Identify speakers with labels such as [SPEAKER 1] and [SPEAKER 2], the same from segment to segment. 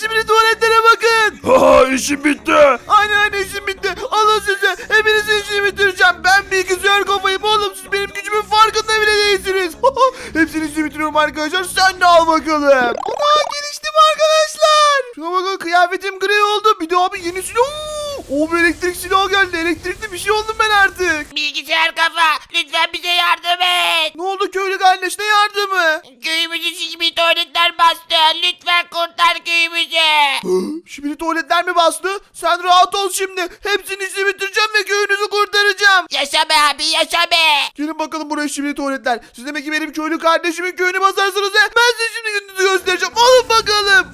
[SPEAKER 1] şimdi tuvaletlere bakın.
[SPEAKER 2] Ha işim bitti.
[SPEAKER 1] Aynen işim bitti. Alın size. Hepinizin işini bitireceğim. Ben bilgisayar kafayım oğlum. Siz benim gücümün farkında bile değilsiniz. Hepsini işini bitiriyorum arkadaşlar. Sen de al bakalım. Ana geliştim arkadaşlar. Şuna bakın kıyafetim gri oldu. Bir de abi yeni silah. O bir elektrik silahı geldi. Elektrikli bir şey oldum ben artık.
[SPEAKER 3] Bilgisayar kafa lütfen bize yardım et.
[SPEAKER 1] Ne oldu köylü kardeş ne yardımı?
[SPEAKER 3] Köyümüzü şişmiş tuvaletler bastı. Lütfen kurtar köyümüzü.
[SPEAKER 1] Şimdi tuvaletler mi bastı? Sen rahat ol şimdi. Hepsini işini bitireceğim ve köyünüzü kurtaracağım.
[SPEAKER 3] Yaşa be abi yaşa be.
[SPEAKER 1] Gelin bakalım buraya şimdi tuvaletler. Siz demek ki benim köylü kardeşimin köyünü basarsınız he. Ben size şimdi gününüzü göstereceğim. Alın bakalım.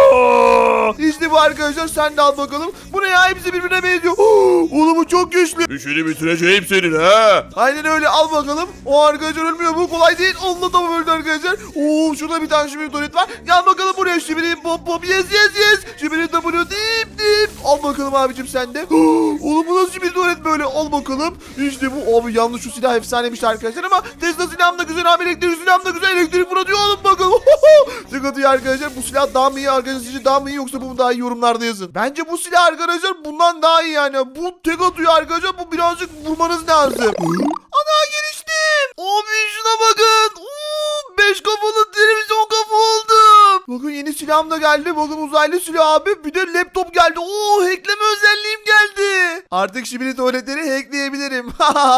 [SPEAKER 2] Aa!
[SPEAKER 1] İşte bu arkadaşlar sen de al bakalım. Bu ne ya hepsi birbirine benziyor. Oğlum bu çok güçlü.
[SPEAKER 2] İşini bitireceğim senin ha.
[SPEAKER 1] Aynen öyle al bakalım. O arkadaşlar ölmüyor bu kolay değil. Onunla da öldü arkadaşlar. Oo şurada bir tane şimdi tuvalet var. Gel bakalım buraya şimdi pop pop yes yes yes. Şimdi W dip dip. Al bakalım abicim sen de. Oğlum bu nasıl bir tuvalet böyle al bakalım. İşte bu abi yalnız şu silah efsanemiş arkadaşlar ama Tesla silahım da güzel abi elektrik silahım da güzel elektrik fırlatıyor alın bakalım. Sıkıntı arkadaşlar bu silah daha mı iyi arkadaşlar sizce daha mı iyi yoksa bu mu daha iyi yorumlarda yazın. Bence bu silah arkadaşlar bundan daha iyi yani. Bu tek atıyor arkadaşlar bu birazcık vurmanız lazım. Ana geliştim. Abi şuna bakın. 5 kafalı televizyon kafa oldum. Bakın yeni silahım da geldi. Bakın uzaylı silah abi. Bir de laptop geldi. Hackleme özelliğim geldi. Artık şimdi tuvaletleri hackleyebilirim.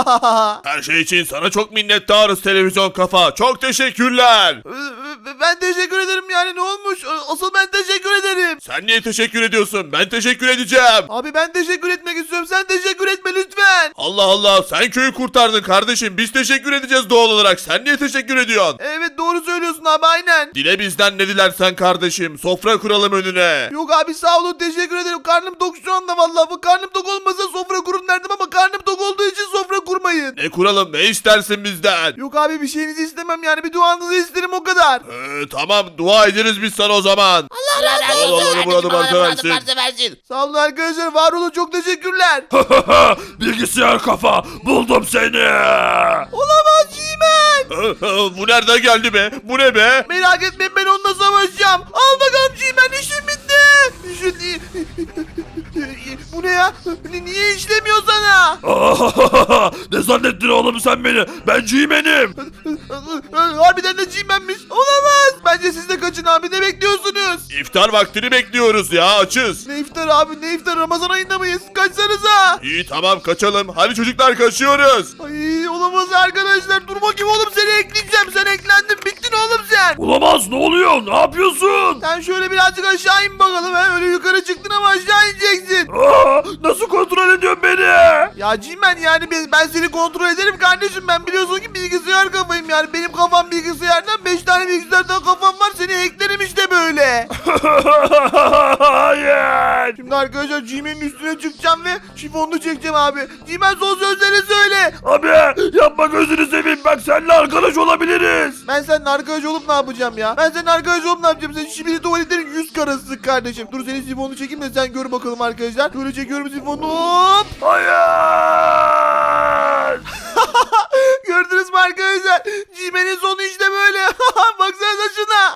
[SPEAKER 2] Her şey için sana çok minnettarız televizyon kafa. Çok teşekkürler.
[SPEAKER 1] Ben teşekkür ederim yani ne olmuş? Asıl ben teşekkür ederim.
[SPEAKER 2] Sen niye teşekkür ediyorsun? Ben teşekkür edeceğim.
[SPEAKER 1] Abi ben teşekkür etmek istiyorum. Sen teşekkür etme lütfen.
[SPEAKER 2] Allah Allah sen köyü kurtardın kardeşim. Biz teşekkür edeceğiz doğal olarak. Sen niye teşekkür ediyorsun?
[SPEAKER 1] Evet doğru söylüyorsun abi aynen.
[SPEAKER 2] Dile bizden ne dilersen kardeşim. Sofra kuralım önüne.
[SPEAKER 1] Yok abi sağ olun teşekkür ederim. Karnım tok şu anda vallahi. Bu karnım tok olmasa sofra kurun derdim ama karnım tok olduğu için sofra kurmayın.
[SPEAKER 2] Ne kuralım ne istersin bizden?
[SPEAKER 1] Yok abi bir şeyinizi istemem yani bir duanızı isterim o kadar.
[SPEAKER 2] Tamam dua ederiz biz sana o zaman.
[SPEAKER 3] Allah razı
[SPEAKER 2] Allah
[SPEAKER 3] olsun.
[SPEAKER 2] Allah, burada varsa versin.
[SPEAKER 3] versin.
[SPEAKER 1] Sağ olun arkadaşlar var olun çok teşekkürler.
[SPEAKER 2] Bilgisayar kafa buldum seni.
[SPEAKER 1] Olamaz G-Man.
[SPEAKER 2] Bu nereden geldi be? Bu ne be?
[SPEAKER 1] Merak etmeyin ben onunla savaşacağım. Al bakalım G-Man işim bitti. Bu ne ya? Niye işlemiyor sana?
[SPEAKER 2] Ne zannettin oğlum sen beni? Ben G-Man'im.
[SPEAKER 1] Harbiden de G-Man'miş. Olamaz. Bence siz de kaçın abi ne bekliyorsunuz?
[SPEAKER 2] İftar vaktini bekliyoruz ya açız.
[SPEAKER 1] Ne iftar abi ne iftar Ramazan ayında mıyız? Kaçsanıza.
[SPEAKER 2] İyi tamam kaçalım. Hadi çocuklar kaçıyoruz.
[SPEAKER 1] Ay olamaz arkadaşlar. Dur bakayım oğlum seni ekleyeceğim. Sen eklendin bittin oğlum sen.
[SPEAKER 2] Olamaz ne oluyor? Ne yapıyorsun?
[SPEAKER 1] Sen şöyle birazcık aşağı in bakalım. He? Öyle yukarı çıktın ama aşağı ineceksin.
[SPEAKER 2] Nasıl kontrol ediyorsun beni?
[SPEAKER 1] Ya Cimen yani ben seni kontrol ederim kardeşim. Ben biliyorsun ki bilgisayar kafayım yani. Benim kafam bilgisayardan 5 tane bilgisayardan kafam var. Seni hacklerim işte böyle.
[SPEAKER 2] Hayır.
[SPEAKER 1] Şimdi arkadaşlar Cimen'in üstüne çıkacağım ve şifonunu çekeceğim abi. Cimen son sözleri söyle.
[SPEAKER 2] Abi yapma gözünü seveyim. Bak seninle arkadaş olabiliriz.
[SPEAKER 1] Ben seninle arkadaş olup ne yapacağım ya? Ben seninle arkadaş olup ne yapacağım? Sen şimdi tuvaletlerin 100 karasısın kardeşim. Dur senin sifonunu çekeyim de sen gör bakalım arkadaşlar. Böyle çekiyorum sifonu. Hop.
[SPEAKER 2] Hayır.
[SPEAKER 1] Gördünüz mü arkadaşlar? Cimen'in sonu işte böyle. Baksanıza şuna.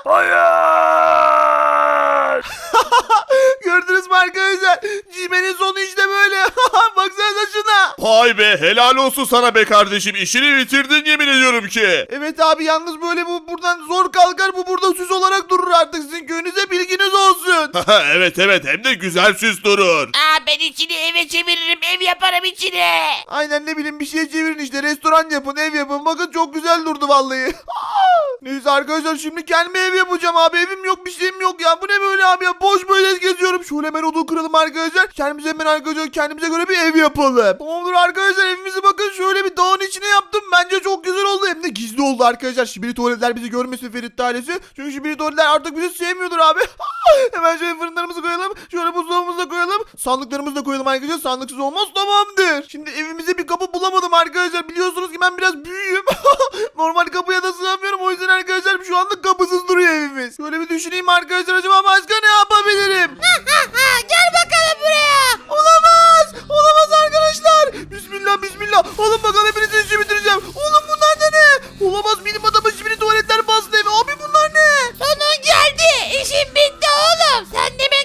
[SPEAKER 2] Hayır.
[SPEAKER 1] Gördünüz mü arkadaşlar? Cimen'in sonu işte böyle. Baksanıza şuna.
[SPEAKER 2] Vay be helal olsun sana be kardeşim. İşini bitirdin yemin ediyorum ki.
[SPEAKER 1] Evet abi yalnız böyle bu buradan zor kalkar. Bu burada süs olarak durur artık. Sizin köyünüze bilginiz olsun.
[SPEAKER 2] Evet hem de güzel süs durur.
[SPEAKER 3] Ben içini eve çeviririm. Ev yaparım içine.
[SPEAKER 1] Aynen ne bileyim bir şey çevirin işte. Restoran yapın, ev yapın. Bakın çok güzel durdu vallahi. Neyse arkadaşlar şimdi kendime ev yapacağım abi. Evim yok bir şeyim yok ya. Bu ne böyle abi ya? Boş böyle geziyorum. Şöyle hemen odun kıralım arkadaşlar. Kendimize hemen arkadaşlar kendimize göre bir ev yapalım. Tamamdır arkadaşlar evimizi bakın şöyle bir dağın içine yaptım. Bence çok güzel oldu. Hem de gizli oldu arkadaşlar. Şibiri tuvaletler bizi görmesin Ferit ailesi. Çünkü şibiri tuvaletler artık bizi sevmiyordur abi. Hemen şöyle fırınlarımızı koyalım. Şöyle buzdolabımızı da koyalım. Sandıklarımızı da koyalım arkadaşlar. Sandıksız olmaz tamamdır. Şimdi evimize bir kapı bulamadım arkadaşlar. Biliyorsunuz ki ben biraz büyüğüm. Normal kapıya da sığamıyorum. O yüzden arkadaşlar şu anda kapısız duruyor evimiz. Şöyle bir düşüneyim arkadaşlar. Acaba başka ne yapabilirim?
[SPEAKER 3] Gel bakalım buraya.
[SPEAKER 1] Olamaz. Olamaz arkadaşlar. Bismillah bismillah. Alın bakalım hepinizin işi bitireceğim. Oğlum bunlar da ne? Olamaz benim adamın şimdi tuvaletler bastı eve. Abi bunlar ne?
[SPEAKER 3] Sonun geldi. İşin bitti oğlum. Sen de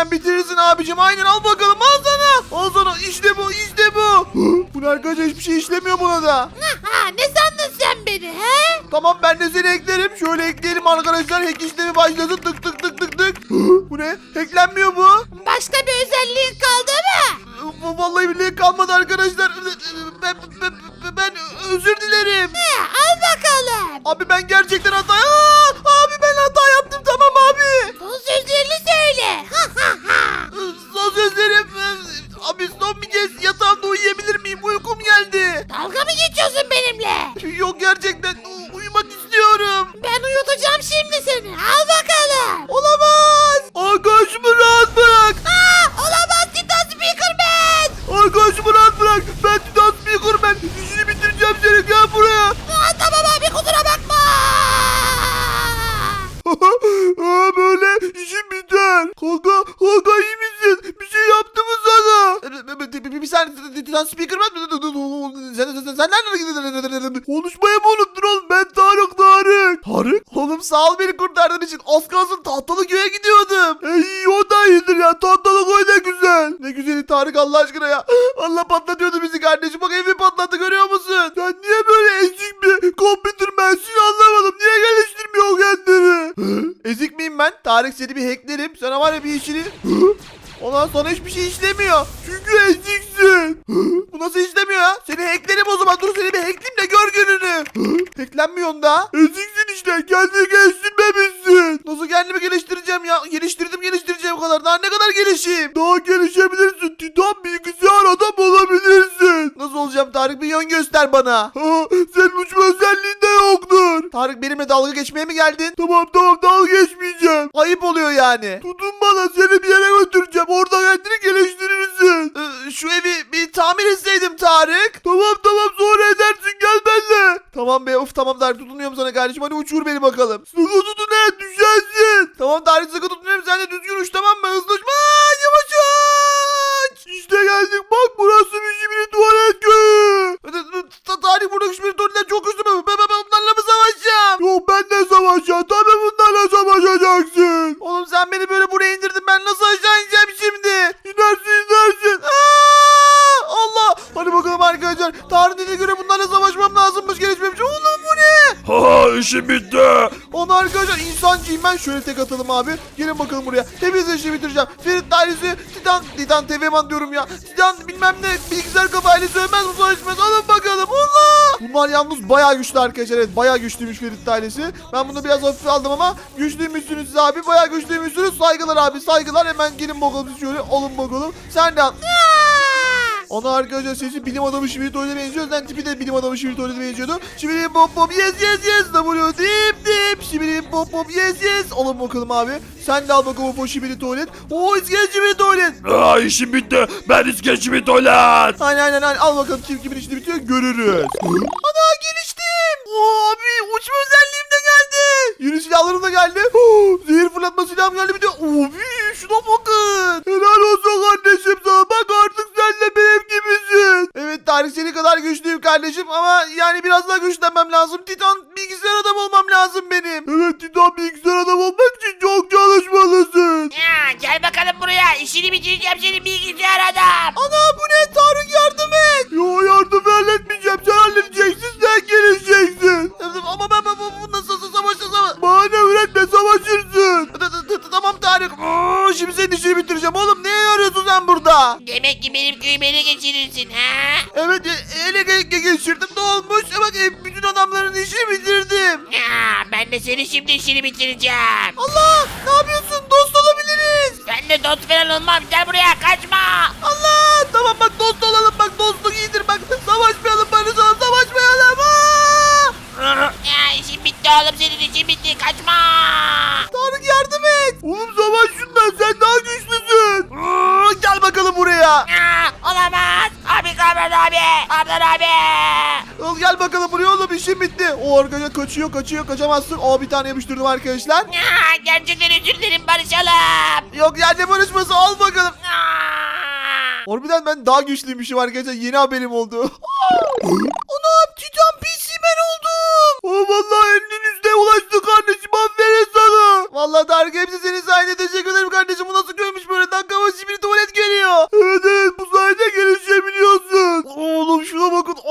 [SPEAKER 1] hemen bitirirsin abicim. Aynen, al bakalım, al sana. Al sana, işte bu, işte bu. Bu ne arkadaşlar, hiçbir şey işlemiyor buna da.
[SPEAKER 4] Ha, ne sandın sen beni he?
[SPEAKER 1] Tamam, ben de seni eklerim. Şöyle ekleyelim arkadaşlar. Hack işlemi başlasın. Tık tık tık tık tık. Bu ne? Hacklenmiyor bu.
[SPEAKER 4] Başka bir özelliğin kaldı mı?
[SPEAKER 1] Vallahi billahi kalmadı arkadaşlar. Ben özür dilerim.
[SPEAKER 4] Al bakalım.
[SPEAKER 1] Abi ben gerçekten hata... Abi ben hata yaptım, tamam abi.
[SPEAKER 4] Son sözlerini söyle.
[SPEAKER 1] Son sözlerim... Abi son bir kez yatağımda uyuyabilir miyim? Uykum geldi.
[SPEAKER 4] Dalga mı geçiyorsun benimle?
[SPEAKER 1] Yok, gerçekten uyumak istiyorum.
[SPEAKER 4] Ben uyutacağım şimdi seni. Al bakalım.
[SPEAKER 1] Olamaz. Arkadaşımı rahat bırak.
[SPEAKER 4] Olamaz Titan Speakerman.
[SPEAKER 1] Arkadaşımı rahat bırak. Ben Titan Speakerman. İşini bitireceğim seni. Gel buraya.
[SPEAKER 4] Tamam abi, kusura bakma.
[SPEAKER 1] Böyle işim biter. Kanka iyi misin? Bir şey yaptı mı sana? Bir saniye, Titan Speakerman. Sen nereden? Konuşmayı mı unuttun oğlum? Ben Tarık. Tarık? Oğlum sağ ol beni kurtardığın için. Az kalsın tahtalı köye gidiyordum. İyi, o da iyidir ya. Tahtalı köy ne güzel. Ne güzeli Tarık, Allah aşkına ya. Allah patlatıyordu bizi kardeşim. Bak evi patlattı, görüyor musun? Sen niye böyle ezik bir computer mühendisini anlamadım. Niye geliştirmiyor kendini? Ezik miyim ben? Tarık, seni bir hacklerim. Sana var ya bir işini... Ondan sonra hiçbir şey işlemiyor. Çünkü eziksin. Bu nasıl işlemiyor ya? Seni hacklerim o zaman. Dur seni bir hackleyeyim de gör gününü. Hacklenmiyorsun da. Eziksin işte. Kendini geliştirmemişsin. Nasıl kendimi geliştireceğim ya? Geliştireceğim o kadar. Daha ne kadar gelişeyim? Daha gelişebilirsin. Titan bilgisayar adam olabilirsin. Nasıl olacağım Tarık? Bir yön göster bana. Senin uçma özelliğin de yoktur. Tarık, benimle dalga geçmeye mi geldin? Tamam dalga geçmeyeceğim. Ayıp oluyor yani. Tutun bana, seni bir yere götüreceğim. Orada kendini geliştirirsin. Şu evi bir tamir etseydim Tarık. Tamam sonra edersin, gel benimle. Tamam be, of tamam Tarık, tutunuyorum sana kardeşim. Hadi uçur beni bakalım. Sıkı tutun, düşersin. Tamam Tarık, sıkı tutunuyorum, sen de düzgün uç, tamam mı? Hızlı uç. Yavaş uç. İşte geldik, bak burası bir tuvalet köyü. Tarık, buradaki bir tuvaletler çok güçlü mü? Ben bunlarla mı savaşacağım? Yok, ben de savaşacağım. Tabii bunlarla savaşacaksın. Oğlum sen beni böyle buraya indirdin. Ben nasıl aşağı ineceğim şimdi? İnersin. Allah. Hadi bakalım arkadaşlar. Tarık dediğine göre bunlarla savaşmam lazımmış, gelişmemiş. Oğlum bu ne?
[SPEAKER 2] İşim bitti.
[SPEAKER 1] Onu arkadaşlar, insancıyım ben. Şöyle tek atalım abi. Gelin bakalım buraya. Hepinizi işi bitireceğim. Ferit ailesi, Titan TV'man diyorum ya. Titan bilmem ne bilgisayar kafa ailesi ölmez, bu savaşmaz. Alın bakalım. Allah. Bunlar yalnız bayağı güçlü arkadaşlar. Evet, bayağı güçlüymüş Ferit ailesi. Ben bunu biraz hafife aldım ama güçlüymüşsünüz siz abi. Bayağı güçlüymüşsünüz. Saygılar abi, saygılar. Hemen gelin bakalım, şöyle alın bakalım. Sen de al. Ana arkadaşlar, sesi bilim adamı Şibirito'ya benziyor. Zaten tipi de bilim adamı Şibirito'ya benziyordu. Şibirim pop pop yes. W dip. Şibirim pop pop yes. Alın bakalım abi. Sen de al bakalım o Şibiri tuvalet. Oo, iskelet Şibiri tuvalet.
[SPEAKER 2] İşim bitti. Ben iskeçimi tuvalet.
[SPEAKER 1] Aynen. Al bakalım kimin işini bitiyor, görürüz. Ana, geliştim. Oo, abi uçma özelliğim de geldi. Yeni silahlarım da geldi. Zehir fırlatma silahım geldi bir de. Abi şuna bakın. Helal olsun kardeşim sana. Bak artık sen de benim gibisin. Evet Tarık, seni kadar güçlüyüm kardeşim ama yani biraz daha güçlenmem lazım. Titan bilgisayar adam olmam lazım benim. Evet, Titan bilgisayar adam olmak için çok çalışmalısın.
[SPEAKER 3] Ya, gel bakalım buraya. İşini bitireceğim senin bilgisayar adam.
[SPEAKER 1] Ana, bu ne? Tarık, yardım et. Yo, yardım halletmeyeceğim. Sen halledeceksin, sen gelişeceksin. Ama ben bu nasıl savaşacağım? Bahane üretme, savaşırsın. Tamam Tarık. Şimdi senin işini bitireceğim oğlum. Ne arıyorsun sen burada?
[SPEAKER 3] Demek ki benim köyümü ele geçirirsin ha?
[SPEAKER 1] Evet, ele geçirdim. Ne olmuş? Bak bütün adamların işini bitirdim.
[SPEAKER 3] Ya, ben de senin şimdi işini bitireceğim.
[SPEAKER 1] Allah, ne yapıyorsun? Dost olabiliriz.
[SPEAKER 3] Ben de dost falan olmam. Gel buraya, kaçma.
[SPEAKER 1] Allah, tamam bak, dost olalım. Bak, dostluk iyidir. Bak, savaşmayalım, barışalım, savaşmayalım.
[SPEAKER 3] Ya, işin bitti oğlum, senin işin bitti. Kaçma.
[SPEAKER 1] Tarık, yardım et. Oğlum savaş şundan, sen daha güçlüsün. Gel bakalım buraya.
[SPEAKER 3] Ya, olamaz. Abi, Kamran abi. Kamran abi.
[SPEAKER 1] Gel bakalım buraya oğlum, işim bitti. O arkadaşlar kaçıyor, kaçamazsın. Bir tane yapıştırdım arkadaşlar.
[SPEAKER 3] Ya, gerçekten özür dilerim, barışalım.
[SPEAKER 1] Yok, yerde barışması, al bakalım.
[SPEAKER 3] Ya.
[SPEAKER 1] Harbiden ben daha güçlüymüşüm arkadaşlar, yeni haberim oldu. Anam, Titan PC ben oldum. Vallahi elinin üstüne ulaştı kardeşim, aferin sana. Vallahi Tarık, hepsi senin sayende, teşekkür ederim kardeşim. Bu nasıl köymüş böyle,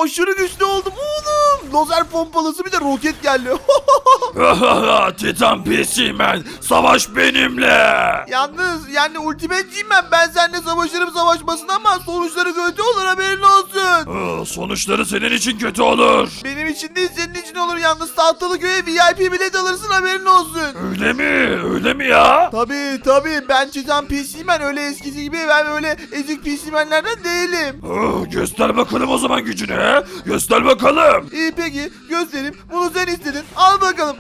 [SPEAKER 1] aşırı güçlü oldum oğlum. Lazer pompalısı bir de roket geldi.
[SPEAKER 2] Titan PC Man, savaş benimle.
[SPEAKER 1] Yalnız yani ultimateciyim ben seninle savaşırım savaşmasın ama sonuçları kötü olur haberin olsun.
[SPEAKER 2] Sonuçları senin için kötü olur.
[SPEAKER 1] Benim için değil senin için olur yalnız tahtalı köye VIP bilet alırsın haberin olsun.
[SPEAKER 2] Öyle mi? Öyle mi ya?
[SPEAKER 1] Tabii ben Titan PC'men öyle eskisi gibi ben öyle ezik PC'menlerden değilim.
[SPEAKER 2] Göster bakalım o zaman gücünü. He? Göster bakalım.
[SPEAKER 1] İyi peki göstereyim bunu sen istedin al bakalım.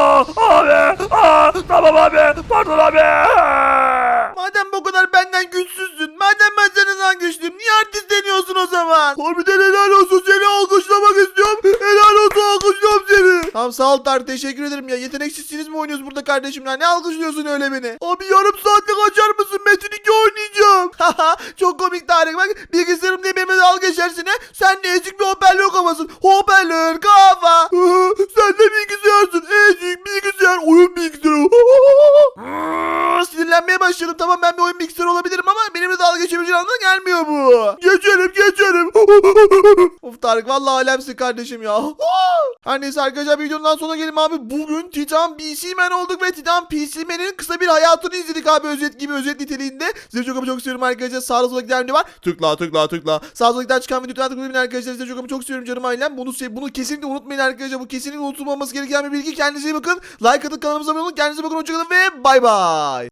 [SPEAKER 2] Tamam abi. Pardon abi.
[SPEAKER 1] Madem bu kadar benden güçsüzsün madem ben senden güçlüyüm niye artistleniyorsun o zaman? Harbiden helal olsun seni alkışlamak istiyorum. Helal olsun alkışlıyorum seni. Tamam sağ ol Tarık teşekkür ederim ya. Yeteneksizsiniz mi oynuyoruz burada kardeşim ya? Ne alkışlıyorsun öyle beni? Abi yarım saatlik açar mısın? Metin 2 oynayacağım. Haha çok komik Tarık bak. Bilgisayarım diye benimle dalga geçersin he. Sen de ezik bir hoparlör kafasın. Hoparlör kafa. Sen de bilgisayarsın. Ezik bilgisayar. Oyun bilgisayarı. Sinirlenmeye başladım. Tamam ben bir oyun bilgisayarı olabilirim ama benimle dalga geçebileceğin anlamına gelmiyor bu. Geçerim. Of Tarık vallahi alemsin kardeşim ya. Her neyse arkadaşlar videonun sonuna gelin abi. Bugün Titan PC Man olduk ve Titan PC Man'in kısa bir hayatını izledik abi özet gibi özet niteliğinde. Size çok ama çok seviyorum arkadaşlar. Sağda solda giden video var. Tıkla. Sağda solda giden çıkan videodan tıklayın arkadaşlar. Size çok ama çok seviyorum canım ailem. Bunu kesinlikle unutmayın arkadaşlar. Bu kesinlikle unutulmaması gereken bir bilgi. Kendinize iyi bakın. Like atıp kanalımıza abone olun. Kendinize bakın. Hoşçakalın ve bay bay.